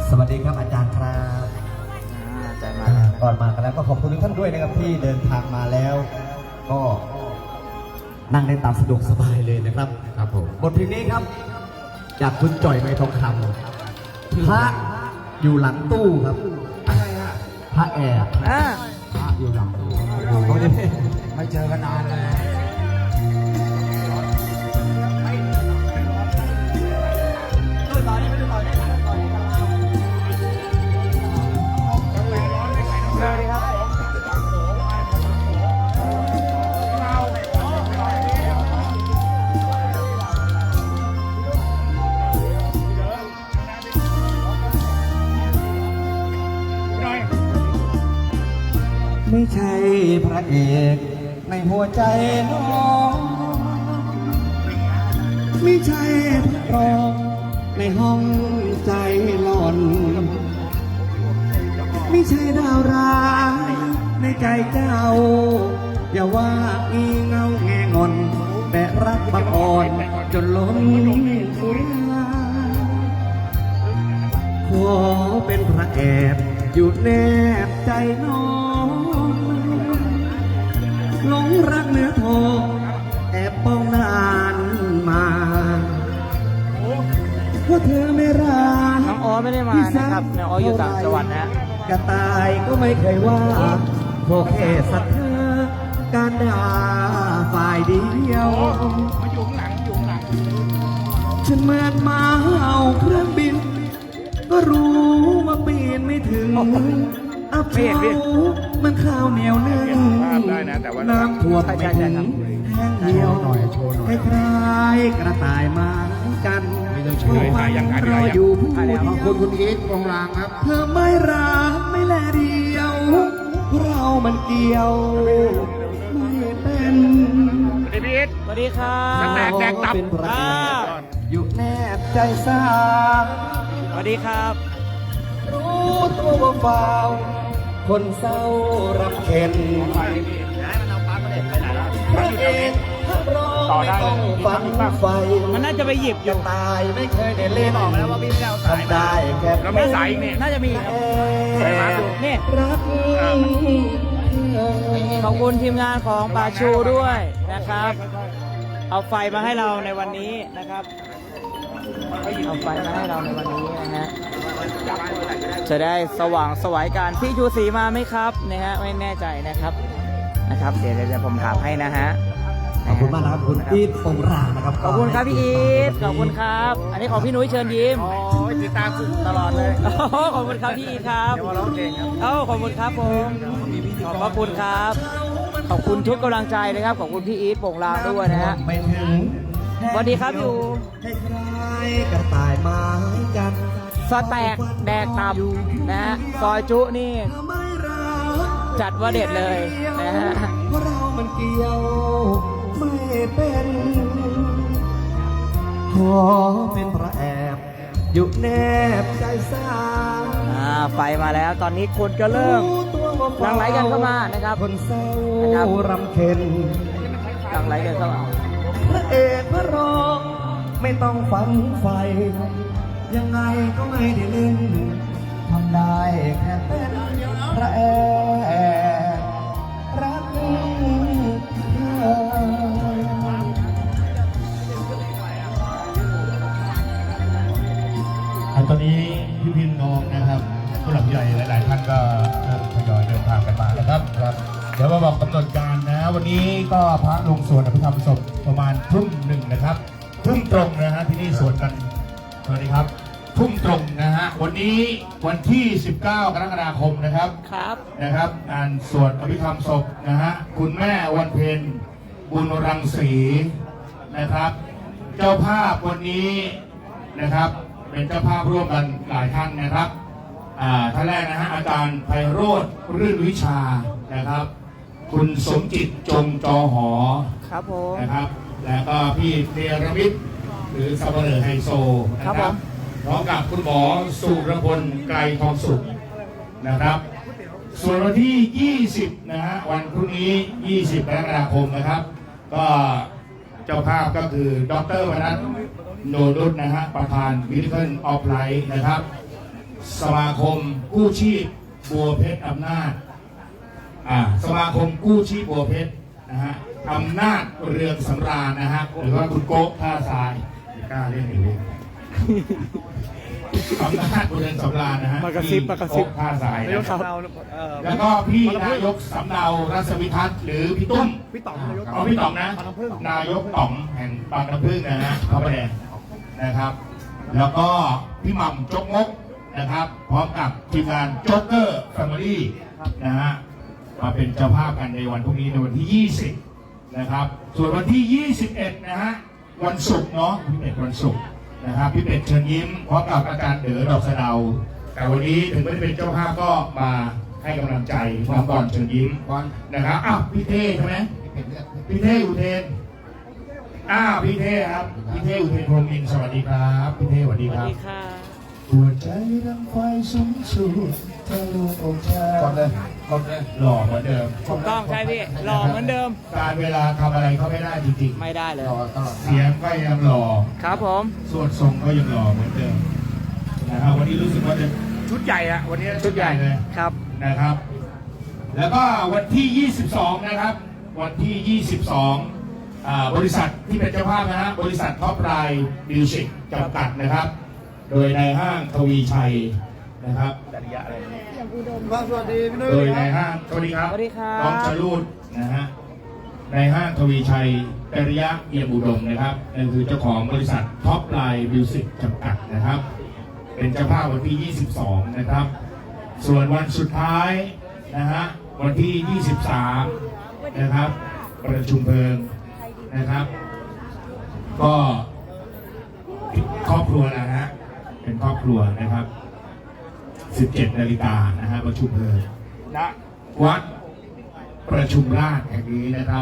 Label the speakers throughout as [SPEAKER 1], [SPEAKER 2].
[SPEAKER 1] สวัสดีครับอาจารย์ครับ
[SPEAKER 2] อาจารย์มา
[SPEAKER 1] ก่อนมากันแล้วก็ขอบคุณทุกท่านด้วยนะครับที่เดินทางมาแล้วก็นั่งได้ตามสะดวกสบายเลยนะครับครับผมบทเพลงนี้ครับจากคุณจ่อยไมทองคำพระอยู่หลังตู้ครับอะไรฮะพระแอบพระอยู่หลังตู้ไม่เจอกันนานเลยไม่ใช่พระเอกในหัวใจน้องไม่ใช่พระรองในห้องใจหลอนไม่ใช่ดาวร้ายในใจเจ้าอย่าว่าอีเงาแงงอนแต่รักบังอ่อนจนล้นสุราขอเป็นพระแอบอยู่แนบใจน้องหลงรักเนื้อทองแอบป้องนานมาเพราะเธอไม่รัก
[SPEAKER 2] น้องอ๋อไม่ได้มานะครับน้องอ๋ออยู่ต่างจังหวัดนะ
[SPEAKER 1] กระต่ายก็ไม่เคยว่าขอแค่สักเธอการด่าฝ่ายเดียว
[SPEAKER 2] มาอยู่หลัง
[SPEAKER 1] ฉันเหมือนมาเอาเครื่องบินก็รู้ว่าปีนไม่ถึงอับเฉามันข้าวเหนียวนึ่งน้ำท่วมไม่ถึงแห้งเหี่ยวคล้ายๆกระต่ายมากันโชว์มันรออยู่ผู้เดียว
[SPEAKER 3] คุณอีทวงรางครับ
[SPEAKER 1] เธอไม่รักไม่แลเดียวเรามันเกี่ยวไม่เป็น
[SPEAKER 2] สวัสดีพี่อีทสวัสดีครับ
[SPEAKER 1] แดกตับอยู่แนบใจสา
[SPEAKER 2] สวัสดีครับ
[SPEAKER 1] รู้ตัวว่าเบาคนเศร้ารำเค็ญพระเอกพระรองไม่ต้องฟังไฟ
[SPEAKER 2] มันน่าจะไปหยิบอยู่
[SPEAKER 1] ตายไม่เคยได้เล่นออกแล้วว่าพี่เอาสายได้แค่
[SPEAKER 2] เราไม่สายนี่น่าจะมีนี่
[SPEAKER 1] รัก
[SPEAKER 2] ขอบคุณทีมงานของป่าชูด้วยนะครับเอาไฟมาให้เราในวันนี้นะครับเอาไฟมาให้เราในวันนี้นะฮะจะได้สว่างสวัยการพี่ชูศรีมาไหมครับนะฮะไม่แน่ใจนะครับเดี๋ยวผมถามให้นะฮะ
[SPEAKER 1] ขอบคุณมากนะครับคุณอีทปงรางนะครับ
[SPEAKER 2] ขอบคุณครับพี่อีทขอบคุณครับอันนี้ของพี่นุ้ยเชิญยิ้ม
[SPEAKER 3] ติดตามตลอดเลย
[SPEAKER 2] ขอบคุณครับพี่อีทครับ
[SPEAKER 3] เดี๋ยวร้องเพลงครับ
[SPEAKER 2] ขอบคุณครับผมขอบคุณครับขอบคุณทุกกำลังใจนะครับขอบคุณพี่อีทโป่งลางด้วยนะฮะสวัสดีครับอยู่
[SPEAKER 1] กระต่ายไม้จัน
[SPEAKER 2] สแต็กแดกตับนะฮะซอยจุนี่จัดว่าเด็ดเลยนะฮะ
[SPEAKER 1] เพราะเรามันเกี่ยวไม่เป็นขอเป็นพระแอบอยู่แนบใจสา
[SPEAKER 2] ไฟมาแล้วตอนนี้คนก็เริ่มหลั่งไหลกันเข้ามานะครับ
[SPEAKER 1] คนเศร้ารำเค็ญ
[SPEAKER 2] หลั่งไหลกันเข้ามา
[SPEAKER 1] พระเอกพระรองไม่ต้องฝันไฟยังไงก็ไม่ได้เล่นทำได้แค่เป็นพระแอบรัก
[SPEAKER 3] ตอนนี้พี่พินน้องนะครับผู้หลักใหญ่หลายๆท่านก็ทยอยเดินทางกันมานะครับเดี๋ยวมาบอกกำหนดการนะวันนี้ก็พระลงสวดอภิธรรมศพประมาณทุ่มหนึ่งนะครับทุ่มตรงนะฮะที่นี่สวดกันสวัสดีครับทุ่มตรงนะฮะวันนี้วันที่19กรกฎาคมนะครับนะครับงานสวดอภิธรรมศพนะฮะคุณแม่วันเพ็ญบุญรังสีนะครับเจ้าภาพวันนี้นะครับเป็นเจ้าภาพร่วมกันหลายท่านนะครับท่านแรกนะฮะอาจารย์ไพโรจน์รื่นวิชานะครับคุณสมจิตจงจอหอ
[SPEAKER 2] ครับผม
[SPEAKER 3] นะครับแล้วก็พี่เนรมิตหรือสับเปลือไฮโซนะครับพร้อมกับคุณหมอสุรพลไกรทองสุขนะครับส่วนวันที่ 20นะฮะวันพรุ่งนี้20 กรกฎาคมนะครับก็เจ้าภาพก็คือดร.วนัทโนดุษนะฮะประธาน Miracle of Life นะครับสมาคมกู้ชีพบัวเพชรอำนาจสมาคมกู้ชีพบัวเพชรนะฮะอำนาจเรืองสำราญนะฮะหรือว่าคุณโก๊ะท่าทรายไม่กล้าเล่นอีกเลยอำนาจเรืองสำราญนะฮะ
[SPEAKER 2] มากระซิบ
[SPEAKER 3] ที่โก๊ะท่าทราย
[SPEAKER 2] นายก
[SPEAKER 3] นะครับ
[SPEAKER 2] สำเนา
[SPEAKER 3] แล้วก็พี่นายกสำเนารัศวิทัศน์หรือพี่ตุ้ม
[SPEAKER 2] พี่ต๋องนายก
[SPEAKER 3] อ๋อพี่ต๋องนะนายกต๋องแห่งบางน้ำพึ่งนะฮะพระประแดงนะครับ แล้วก็พี่หม่ำจกมกนะครับ พร้อมกับทีมงานโจ๊กเกอร์แฟมิลี่นะฮะมาเป็นเจ้าภาพกันในวันพรุ่งนี้ในวันที่ 20 นะครับ ส่วนวันที่ 21 นะฮะวันศุกร์เนาะพี่เป็ดวันศุกร์นะครับพี่เป็ดเชิญยิ้มพร้อมกับอาจารย์เด๋อดอกสะเดา แต่วันนี้ถึงไม่ได้เป็นเจ้าภาพก็มาให้กำลังใจน้องบอลเชิญยิ้มนะครับอ้าวพี่เท่ใช่ไหมพี่เท่อุเทนพี่เท่ครับพี่เท่อุเทนพรหมินทร์สวัสดีครับพี่เท่สวัสดี
[SPEAKER 2] สวั
[SPEAKER 3] ค
[SPEAKER 2] ส
[SPEAKER 3] รับ
[SPEAKER 2] ดีค่ะ
[SPEAKER 3] หัวใจดังไฟสูงสุดทะลุอกชายก่อนเลยหล่อเหมือนเดิม
[SPEAKER 2] ถูกต้องใช่พี่หล่อเหมือนเดิม
[SPEAKER 3] การเวลาทำอะไรเขาไม่ได้จริง
[SPEAKER 2] ไม่ได้เลย
[SPEAKER 3] ๆเสียงก็ยังหล่อ
[SPEAKER 2] ครับผม
[SPEAKER 3] สวดทรงก็ยังหล่อเหมือนเดิมนะครับวันนี้รู้สึกว่าจะชุดใหญ่อะวันนี้ชุดใหญ่เลย
[SPEAKER 2] ครับ
[SPEAKER 3] นะครับ แล้วก็วันที่ 22 นะครับ วันที่ 22 บริษัทที่เป็นเจ้าภาพนะฮะบริษัทท็อปไลน์มิวสิกจำกัดนะครับ โดยในห้างทวีชัยนะครับสวัสดีพี่นุ้ยโดยในห้างสวัสดีครับ
[SPEAKER 2] สวัสดีครับ
[SPEAKER 3] น้องชลูดนะฮะในห้างทวีชัยจริยะเอี่ยมอุดมนะครับนั่นคือเจ้าของบริษัทท็อปไลน์มิวสิกจำกัดนะครับ เป็นเจ้าภาพวันที่ 22 นะครับ ส่วนวันสุดท้ายนะฮะวันที่ 23 นะครับประชุมเพลิงนะครับ ก็ครอบครัวนะฮะเป็นครอบครัวนะครับ 17 นาฬิกานะฮะประชุมเพลิงณวัดประชุมราชแห่งนี้นะครับ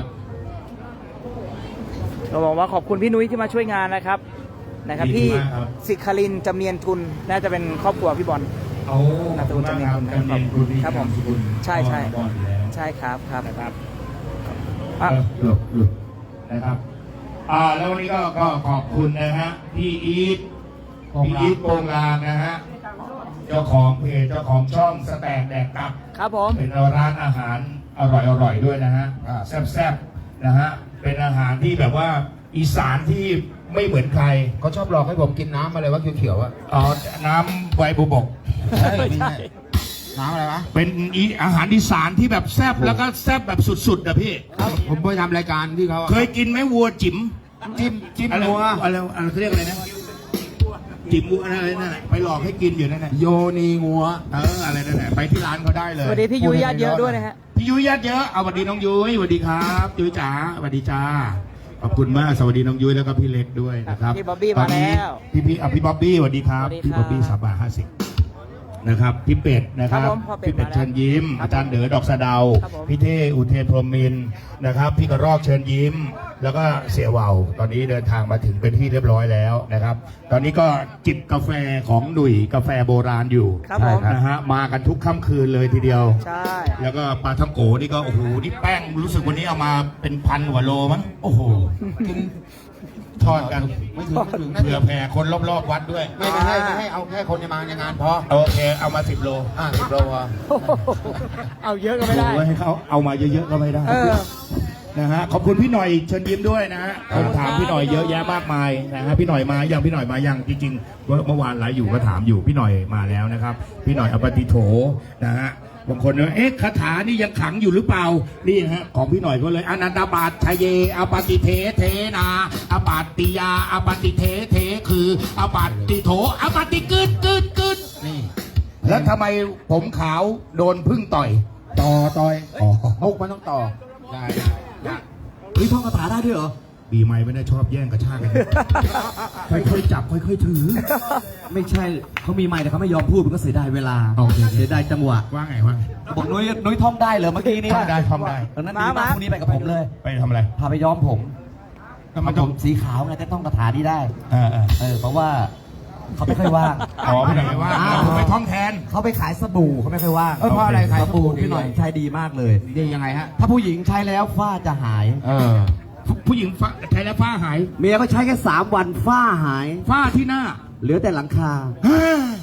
[SPEAKER 2] เราบอกว่าขอบคุณพี่นุ้ยที่มาช่วยงานนะครับพี่สิครินทร์จำเนียนทุนน่าจะเป็นครอบครัวพี่บอล
[SPEAKER 3] เอา
[SPEAKER 2] นามสกุลจำเนียนทุน
[SPEAKER 3] จำเนียนทุน
[SPEAKER 2] ครับผม
[SPEAKER 3] นามสกุล
[SPEAKER 2] ใช่
[SPEAKER 3] บอลอยู่แล้ว
[SPEAKER 2] ใช่ครับครับ
[SPEAKER 3] นะครับ
[SPEAKER 2] อ่ะ
[SPEAKER 3] หลบนะครับแล้ววันนี้ก็ขอบคุณนะฮะพี่อีทโปงลางนะฮะเจ้าของเพจเจ้าของช่องสแตกแดกตับ
[SPEAKER 2] ครับผม
[SPEAKER 3] เป็นร้านอาหารอร่อยด้วยนะฮะแซ่บๆนะฮะเป็นอาหารที่แบบว่าอีสานที่ไม่เหมือนใคร
[SPEAKER 4] เขาชอบหลอกให้ผมกินน้ำอะไรวะเขียวๆอะ
[SPEAKER 3] น้ำใบบุบก
[SPEAKER 4] ใช่ไม่ใช่น้ำอะไรวะ
[SPEAKER 3] เป็นอาหารอีสานที่แบบแซ่บแล้วก็แซ่บแบบสุดๆนะพี่
[SPEAKER 4] ผมไปทำรายการที่เขาอะ
[SPEAKER 3] เคยกินไหมวัวจิ๋ม
[SPEAKER 4] จิ้ม
[SPEAKER 3] อะไร
[SPEAKER 4] นัว
[SPEAKER 3] อะไรเขาเรียกอะไรนะจิ๋มวัวอะไรนั่นน่ะไปหลอกให้กินอยู่นั่นแหละ
[SPEAKER 4] โยนีงัว
[SPEAKER 3] อะไรนั่นแหละไปที่ร้านเขาได้เลย
[SPEAKER 2] สวัสดีพี่ยุ้ยญาติเยอะด้วยนะฮะ
[SPEAKER 3] พี่ยุ้ยญาติเยอะเอาสวัสดีน้องยุ้ยสวัสดีครับยุ้ยจ๋าสวัสดีจ้าขอบคุณมากสวัสดีน้องยุ้ยแล้วก็พี่เล็กด้วยนะครับ
[SPEAKER 2] พี่บ๊อบบี้มาแล้ว
[SPEAKER 3] พี่บ๊อบบี้สวัสดีครับ
[SPEAKER 2] สวัสดี
[SPEAKER 3] พี่
[SPEAKER 2] ครับ
[SPEAKER 3] บ๊อบบี้3 บาท 50นะครับพี่เป็ดนะครับ
[SPEAKER 2] ครับผมพ่อเป็ด
[SPEAKER 3] พี่เป็ด
[SPEAKER 2] มาแล้ว
[SPEAKER 3] เชิญยิ้ม
[SPEAKER 2] ครับ
[SPEAKER 3] อาจารย์เด๋อดอกสะเดา
[SPEAKER 2] ครับผม
[SPEAKER 3] พี่เท่อุเทนพรหมินทร์นะครับ พี่กระรอกเชิญยิ้ม แล้วก็เสี่ยเวาตอนนี้เดินทางมาถึงเป็นที่เรียบร้อยแล้วนะครับ ตอนนี้ก็จิบกาแฟของหนุ่ยกาแฟโบราณอยู่
[SPEAKER 2] ครับผม
[SPEAKER 3] นะฮะมากันทุกค่ำคืนเลยทีเดียว
[SPEAKER 2] ใช่
[SPEAKER 3] แล้วก็ปลาท่องโกนี่ก็โอ้โหนี่แป้งรู้สึกวันนี้เอามาเป็นพันกว่าโลมั้งโอ้โหทอดกัน
[SPEAKER 4] ไม่ถึงน่า
[SPEAKER 3] เผื่อ
[SPEAKER 4] จะ
[SPEAKER 3] แผ่คนรอบๆวัดด้วย
[SPEAKER 4] ไม่ให้เอาแค่คนในมาในงานพอ
[SPEAKER 3] โอเคเอามา10 โล
[SPEAKER 4] 10 โลพอ
[SPEAKER 2] เอาเยอะก็ไม่ได้
[SPEAKER 3] โอ้ยให้เขาเอามาเยอะๆก็ไม่ได้
[SPEAKER 2] เออ
[SPEAKER 3] นะฮะขอบคุณพี่หน่อยเชิญยิ้มด้วยนะฮะผมถามพี่หน่อยเยอะแยะมากมายนะฮะพี่หน่อยมายังพี่หน่อยมายังจริงๆเมื่อวานไลฟ์อยู่ก็ถามอยู่พี่หน่อยมาแล้วนะครับ พี่หน่อยอปฏิโถนะฮะบางคนเนี่ยเอ๊ะคาถานี่ยังขังอยู่หรือเปล่านี่นะฮะของพี่หน่อยก็เลยอนันตบาตชยเยอปฏิเทเทนาอปาติยาอปฏิเทเทคืออปาติโถอปฏิกึด
[SPEAKER 4] นี่
[SPEAKER 3] แล้วทำไมผมขาวโดนพึ่งต่อย
[SPEAKER 4] ต่อย
[SPEAKER 3] อ๋อ
[SPEAKER 4] มุกมันต้องต่อได้
[SPEAKER 1] เฮ้ยท่องคาถาได้ด้วยเหรอ
[SPEAKER 3] ปีใหม่ไม่ได้ชอบแย่งกระชากกัน ค่อยๆจับค่อยๆถือ
[SPEAKER 1] ไม่ใช่เขามีไมค์แต่เขาไม่ยอมพูดมันก็เสียดายเวลา
[SPEAKER 3] โอเค
[SPEAKER 1] เสียดายจังหวะ
[SPEAKER 3] ว่าไงว่าไง
[SPEAKER 1] บอกนุ้ยท่องได้เหรอเมื่อกี้นี้
[SPEAKER 3] ท่องได้ท่องได้
[SPEAKER 1] ตอนนั้นดีมากพรุ่งนี้ไปกับผมเลย
[SPEAKER 3] ไปทำอะไร
[SPEAKER 1] พาไปย้อมผม
[SPEAKER 3] ก็มันต้อง
[SPEAKER 1] สีขาวไงแต่ต้องคาถานี้ได้
[SPEAKER 3] เออ
[SPEAKER 1] เพราะว่าเขาไม่ค่อยว่าง
[SPEAKER 3] อ๋อพี่หน่อยว่าผมไปท่องแทน
[SPEAKER 1] เขาไปขายสบู่เขาไม่ค่อยว่าง
[SPEAKER 3] เพราะอะไรขายสบู่
[SPEAKER 1] พี่หน่อยใช้ดีมากเลย
[SPEAKER 4] ดียังไงฮะ
[SPEAKER 1] ถ้าผู้หญิงใช้แล้วฝ้าจะหาย
[SPEAKER 3] ผู้หญิงใช้แล้วฝ้าหาย
[SPEAKER 1] เมียเขาใช้แค่3 วันฝ้าหาย
[SPEAKER 3] ฝ้าที่หน้า
[SPEAKER 1] เหลือแต่หลังคา
[SPEAKER 3] ฮ่า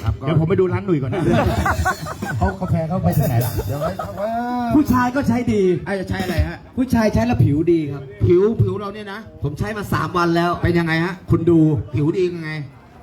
[SPEAKER 4] ครับก็
[SPEAKER 3] เดี๋ยวผมไปดูร้านหนุ่ยก่อนนะเขากาแฟเขาไปที่ไหนล่ะ
[SPEAKER 4] เดี๋ยวไว้เขาว่า
[SPEAKER 1] ผู้ชายก็ใช้ดี
[SPEAKER 4] ไอ้จะใช้อะไรฮะ
[SPEAKER 1] ผู้ชายใช้แล้วผิวดีครับ
[SPEAKER 4] ผิวเราเนี่ยนะ
[SPEAKER 1] ผมใช้มา 3 วันแล้ว
[SPEAKER 4] เป็นยังไงฮะ
[SPEAKER 1] คุณดู
[SPEAKER 4] ผิวดียังไง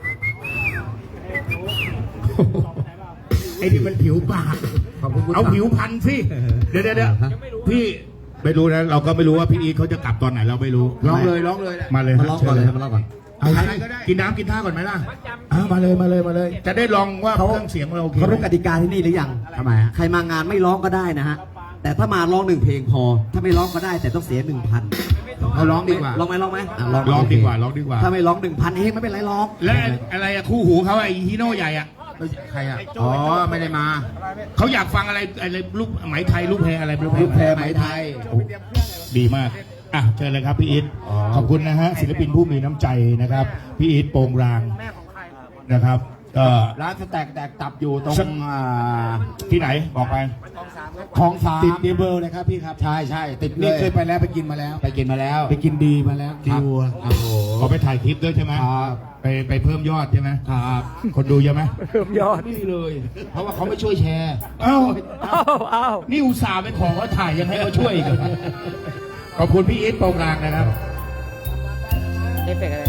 [SPEAKER 3] ไอ้นี่มันผิวปาก
[SPEAKER 4] ขอบคุณคุณ
[SPEAKER 3] เอาผิวพันธุ์สิเดี๋ยวพี่ไม่รู้นะเราก็ไม่รู้ว่าพี่อีทเขาจะกลับตอนไหนเราไม่รู้
[SPEAKER 4] ร้องเลย
[SPEAKER 3] มาเลย
[SPEAKER 1] มาลองก่อนเลยมาลองก่อน
[SPEAKER 3] เอาอะไรก็ได้กินน้ำกินท่าก่อนไหมล่ะมาเลย จะได้ลองว่าเครื่องเสียงเราโอเค
[SPEAKER 1] เขารู้กติกาที่นี่หรือยัง
[SPEAKER 4] ทำไมฮะ
[SPEAKER 1] ใครมางานไม่ร้องก็ได้นะฮะ แต่ถ้ามาร้อง1 เพลงพอ ถ้าไม่ร้องก็ได้แต่ต้องเสีย 1,000
[SPEAKER 4] เราร้องดีกว่า
[SPEAKER 1] ร้องไหมอ่ะ
[SPEAKER 3] ลองดีกว่า
[SPEAKER 1] ถ้าไม่ร้อง 1,000 เองไม่เป็นไรร้อง
[SPEAKER 3] และอะไรอะคู่หูเขาไอ้ฮีโน่ใหญ่อะ
[SPEAKER 4] ใครอ่ะ อ๋อ ไม่ได้มา
[SPEAKER 3] เขาอยากฟังอะไรลูกไหมไทยลูกแพรอะไร
[SPEAKER 1] ลูกแพร
[SPEAKER 4] ไหมไทย
[SPEAKER 3] ดีมากอ่ะเชิญเลยครับพี่อีท
[SPEAKER 4] อ๋อ
[SPEAKER 3] ขอบคุณนะฮะศิลปินผู้มีน้ำใจนะครับพี่อีทโปร่งรางนะครับก็
[SPEAKER 4] ร้านสแต็กแตกตับอยู่ตรง
[SPEAKER 3] ที่ไหนบอกไป
[SPEAKER 4] คลองสาม
[SPEAKER 1] ติดเดเบิลเลยครับพี่ครับ
[SPEAKER 4] ใช่ติดเล
[SPEAKER 1] นี่
[SPEAKER 4] ย
[SPEAKER 1] เคยไปแล้วไปกินมาแล้ว
[SPEAKER 4] ไปกินมาแล้ว
[SPEAKER 1] ไปกินดีมาแล้ว
[SPEAKER 4] ครับ
[SPEAKER 1] วัว
[SPEAKER 4] โอ้โห
[SPEAKER 3] เขาไปถ่ายคลิปด้วยใช่ไหม
[SPEAKER 4] ครับ
[SPEAKER 3] ไปเพิ่มยอดใช่ไหม
[SPEAKER 4] ครับ
[SPEAKER 3] คนดูเยอะไหม
[SPEAKER 2] เพิ่มยอด
[SPEAKER 4] ไม่มีเลย เพราะว่าเขาไม่ช่วยแชร์
[SPEAKER 3] เอ้า
[SPEAKER 2] อ้าว
[SPEAKER 3] นี่อุตส่าห์ไปขอเขาถ่ายยังให้เขาช่วยอีกเหรอขอบคุณพี่อีทโปร่งรางนะครับ
[SPEAKER 2] เอฟเฟกต์อะไร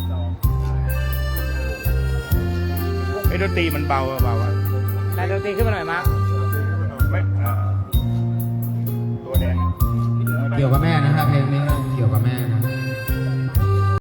[SPEAKER 3] ไอ้ดนตรีมันเบาอะ
[SPEAKER 2] นายดนตรีขึ้นมาหน่อยมาร์ค
[SPEAKER 3] ไม่ตัวแดง
[SPEAKER 4] เกี่ยวกับแม่นะฮะเพลงนี้เกี่ยวกับแม่นะ